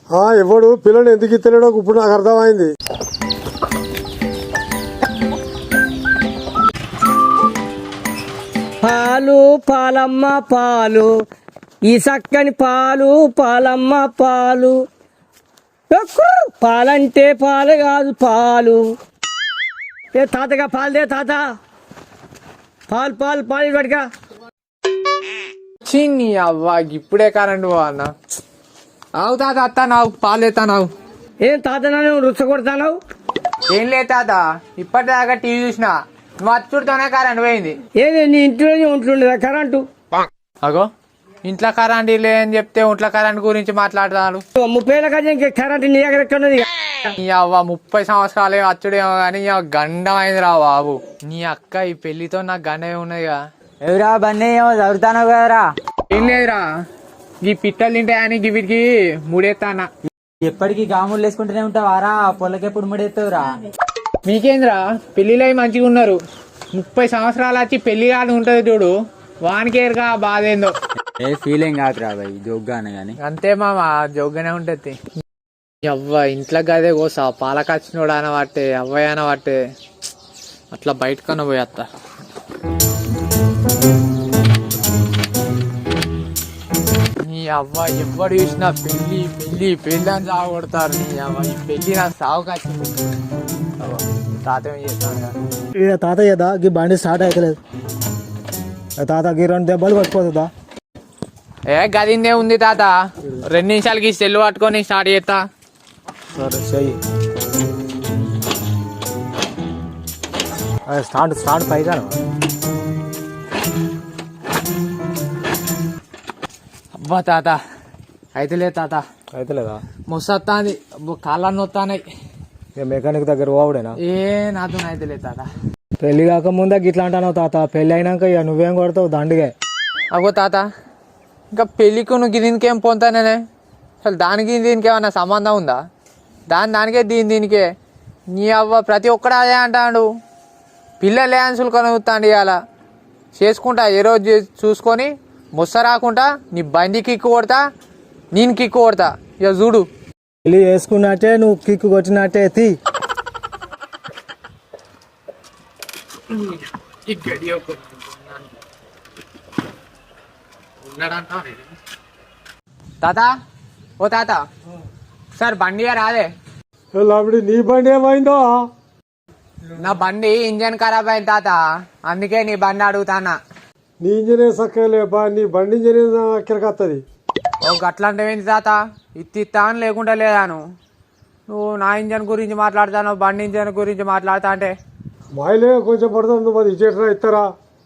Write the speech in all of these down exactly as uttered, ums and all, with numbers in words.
ఆ ఎవడు పిల్లని ఎందుకు ఇస్తలేడో ఇప్పుడు నాకు అర్థమైంది. పాలు పాలమ్మ పాలు, ఈ చక్కని పాలు పాలమ్మ పాలు. ఎక్కు పాలంటే పాలు కాదు పాలు. ఏ తాతగా పాలుదే తాత, పాలు పాలు పాలు పడిగా. చిన్ని అవ్వ ఇప్పుడే కరెంట్ అన్న. అవు తాత అత్త నావు పాలు ఎత్తా నావు. ఏం తాత నన్ను రుచ్చ కొడతావు? ఏం లేదు తాత, ఇప్పటిదాకా టీవీ చూసిన, నువ్వు అచ్చుడితోనే కరెంట్ పోయింది. ఏది నీ ఇంట్లోనే ఉంటుండేదా కరెంటు? అగో ఇంట్లో కరెంట్ లేదని చెప్తే ఇంట్లో కరెంట్ గురించి మాట్లాడతాను. ముప్పై ఏళ్ళ కదా ఇంకా కరెంటు నీ దగ్గర ఎక్కడున్నది? నీ అవ్వ ముప్పై సంవత్సరాలే అచ్చుడేమో కానీ గండం అయింది రా బాబు. నీ అక్క ఈ పెళ్లితో నాకు గండమే ఉన్నదిగా. ఎవరా బండి ఏమో చదువుతాను కదరా. ఏం లేదురా, ఈ పిట్టలు తింటాయని వీటికి ముడేస్తానా. ఎప్పటికీ గాములు వేసుకుంటూనే ఉంటావారా? పొలకెప్పుడు ముడేస్తావురా? మీకేంద్రా పెళ్లిలో మంచిగా ఉన్నారు, ముప్పై సంవత్సరాలు వచ్చి పెళ్లి కాని ఉంటది చూడు, వానికేరుగా బాధ ఏందో. ఏ ఫీలింగ్ కాదురా బాయ్, జోగ్గానే గాని. అంతే మామ, జోగ్గానే ఉంటది. అవ్వ ఇంట్లో గదే కోసా పాలకచ్చినోడు అనబట్టే అవ్వయ్య అనబట్టే అట్లా బయటకన్నా పోయేస్తా. నీ అవ్వ ఎవరు చూసినా పెళ్లి పెళ్లి పెళ్లి అని సాగు కొడతారు. నీ అవ్వ ఈ పెళ్లి నాకు సాగు కచ్చింది. తాత ఏం చేస్తాను తాతయ్యదా గీ బండి స్టార్ట్ అవుతలేదు. తాత గీ రెండు దెబ్బలు పట్టుకోతుందా? ఏ గదిందే ఉంది తాత, రెండు నిమిషాలకి సెల్లు పట్టుకొని స్టార్ట్ చేస్తా. సరే చెయ్యి. స్టార్ట్ స్టార్ట్ పైగా అబ్బా తాత అయితే లేదు తాత, అయితే లేదా? ముసత్తాంది, కాళ్ళన్నీ వస్తానాయి. మెకానిక్ దగ్గర పోవుడేనా? ఏ నాతో అయితే లేదు తాత. పెళ్లి కాకముందే గిట్లా అంటావు తాత, పెళ్లి అయినాక ఇక నువ్వేం కొడతావు దండిగా. అగో తాత, ఇంకా పెళ్లికి నువ్వు దీనికి ఏం పొందుతానే? అసలు దానికి దీనికి ఏమన్నా సంబంధం ఉందా? దాని దానికే దీని దీనికే. నీ అవ్వ ప్రతి ఒక్కడు అదే అంటాడు, పిల్లలే అన్సులు కొనుగుతాండి. ఇవాళ చేసుకుంటా ఏ రోజు చూసుకొని ముస్స రాకుండా నీ బండి కిక్కు కొడతా, నేను కిక్కు కొడతా. ఇక చూడు, పెళ్లి చేసుకున్నట్టే నువ్వు కిక్కు కొట్టినట్టే తీ. తాత ఓ తాత, సార్ బండి రాదే. అప్పుడు నీ బండి ఏమైందో? నా బండి ఇంజన్ ఖరాబ్ అయింది తాత, అందుకే నీ బండి అడుగుతానా. నీ ఇంజనే సక్కలేపా, నీ బండి ఇంజనే ఎక్కడికి వస్తుంది? ఓ గట్లాంటివేంటి తాత, ఇత్తిత్తా అని లేకుండా లేదాను. నువ్వు నా ఇంజన్ గురించి మాట్లాడతాను, బండి ఇంజన్ గురించి మాట్లాడతా అంటే మాయలే కొంచెం పడుతుంది, నువ్వు అది ఇచ్చేట్రా ఇస్తారా?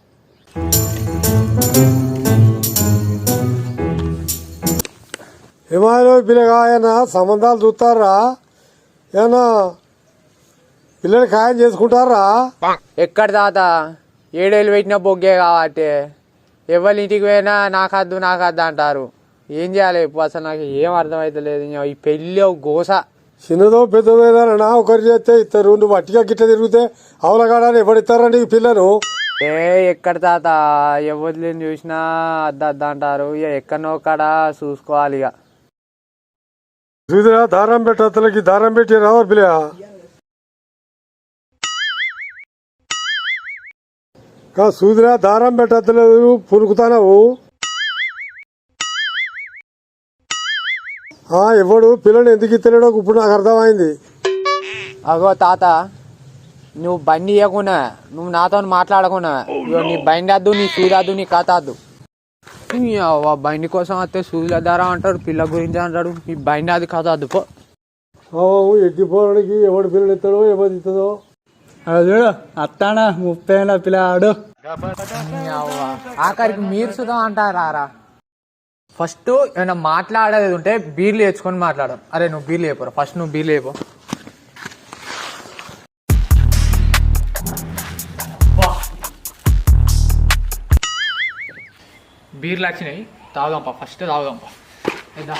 ఏమాయలో పిల్లగా ఏమన్నా సంబంధాలు చూస్తారా? ఏమన్నా పిల్లలు ఖాయం చేసుకుంటారా? ఎక్కడ తాత, ఏడేళ్ళు పెట్టిన బొగ్గే కాబట్టి ఎవరి ఇంటికి పోయినా నాకద్దు నాకద్దు అంటారు. ఏం చేయాలి ఇప్పుడు? అసలు నాకు ఏం అర్థమవుతలేదు. ఈ పెళ్ళి గోస. చిన్నదో పెద్దదో ఏదైనా ఒకరు చేస్తే ఇస్తారు, నువ్వు అట్టిగా గిట్ట తిరిగితే అవలగాడని ఎవడిస్తారా నీకు పిల్లలు? ఏ ఎక్కడ తాత, ఎవరిని చూసినా అద్ద అద్ద అంటారు. ఇక ఎక్కడనో కాడ చూసుకోవాలి. ఇక చూదిరా దారం పెట్టలకి దారం పెట్టి రావా పిల్ల? కా సూదిరా దారం పెట్టలేదు, పురుకుతానవు. ఎవడు పిల్లని ఎందుకు ఇస్తలేడో ఇప్పుడు నాకు అర్థమైంది. అగో తాత, నువ్వు బండి ఇవ్వకుండా నువ్వు నాతో మాట్లాడకుండా నీ బండి వద్దు, నీ సూది వద్దు, నీ కథ వద్దు. బండి కోసం వస్తే సూదుల ధర అంటాడు, పిల్ల గురించి అంటాడు. ఈ బండి అది కథ వద్దు పో. ఎక్కిపోవడానికి ఎవడు పిల్లలు ఇస్తాడో ఎవరు ఇస్తుందో. చూడు అత్తానా ముప్పై ఏళ్ళ పిల్లాడు. ఆఖరికి మీరు సుధా అంటారా? ఫస్ట్ ఏమైనా మాట్లాడేది ఉంటే బీర్లు వేసుకొని మాట్లాడు. అరే నువ్వు బీర్లు వేయపోరా, ఫస్ట్ నువ్వు బీర్లు వేయపో. బీర్లు వచ్చినాయి, తాగుదాంపా, ఫస్ట్ తాగుదాంపా. ఏదా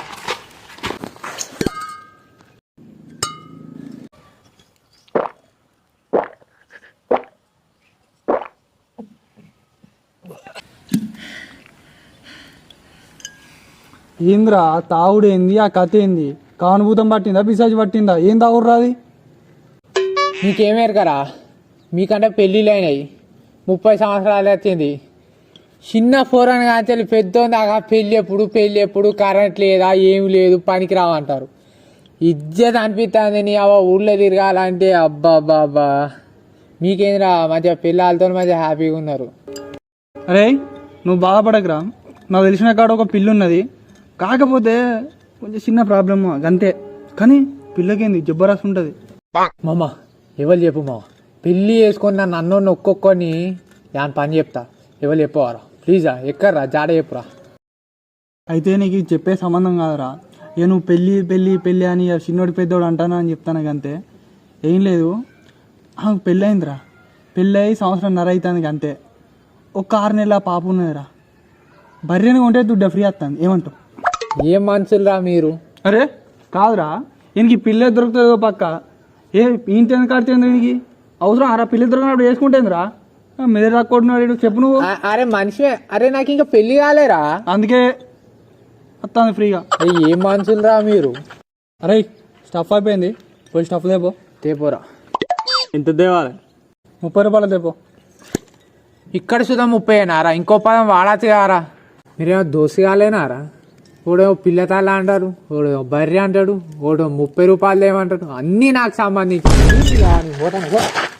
ఏంద్రా తాగుడు ఏంది, ఆ కథ ఏంది? కానుభూతం పట్టిందా పిశాచి పట్టిందా ఏం తాగుర్రా అది మీకేమేరకరా మీకంటే పెళ్ళిళ్ళు అయినాయి ముప్పై సంవత్సరాలు వచ్చింది చిన్న ఫోరన్ కానీ పెద్ద దాకా పెళ్ళి ఎప్పుడు పెళ్ళి ఎప్పుడు కరెంట్ లేదా ఏమి లేదు పనికి రావంటారు ఇజ్జత్ అనిపిస్తుంది నీ అవ్వ ఊళ్ళో తిరగాలంటే అబ్బా అబ్బా అబ్బా మీకేంద్రా మంచిగా పిల్లలతో మంచిగా హ్యాపీగా ఉన్నారు. అరే నువ్వు బాధపడకురా, నాకు తెలిసిన కాడ ఒక పిల్లి ఉన్నది, కాకపోతే కొంచెం చిన్న ప్రాబ్లమ్ అంతే, కానీ పిల్లకేంది జబ్బరాసి ఉంటుంది. మామ ఎవరు చెప్పు మామ, పెళ్ళి వేసుకొని నన్ను అన్నోడిని ఒక్కొక్కని దాని పని చెప్తా, ఎవరు చెప్పవారా ప్లీజా ఎక్కర్రా జాడ చెప్పురా. అయితే నీకు ఇది చెప్పే సంబంధం కాదురా, ఏ నువ్వు పెళ్ళి పెళ్ళి పెళ్ళి అని చిన్నోడు పెద్దోడు అంటానా అని చెప్తాను అంతే, ఏం లేదు. పెళ్ళి అయిందిరా, పెళ్ళి అయ్యి సంవత్సరం నర అవుతుంది అంతే, ఒక ఆరు నెలల పాప ఉన్నదిరా, బర్రెని కొంటే దుడ్డ ఫ్రీ వస్తుంది, ఏమంటావు? ఏం మనుషులరా మీరు. అరే కాదురా, ఈయనకి పిల్లే దొరుకుతుందో పక్క, ఏ ఇంటి కాడుతుంది దీనికి అవసరం అరా, పిల్లలు దొరికినప్పుడు వేసుకుంటేందిరా, మీద రాకొడున్నాడు చెప్పు నువ్వు. అ- అరే మనిషి, అరే నాకు ఇంకా పెళ్లి కాలేరా, అందుకే వస్తుంది ఫ్రీగా. అరే ఏం మనుషులరా మీరు. అరే స్టఫ్ అయిపోయింది, పోయి స్టఫ్ తేపో. తేపోరా. ఎంత తేవాలి? ముప్పై రూపాయలు తేపో. ఇక్కడ సుధా ముప్పై అయినారా, ఇంకో పదం వాడచ్చు కారా. మీరేమో దోసిగాలేనారా, ఓడేమో పిల్లతాళ్ళ అంటారు, ఓడేమో బర్రె అంటాడు, ఓడేమో ముప్పై రూపాయలు ఏమంటాడు, అన్నీ నాకు సంబంధించి.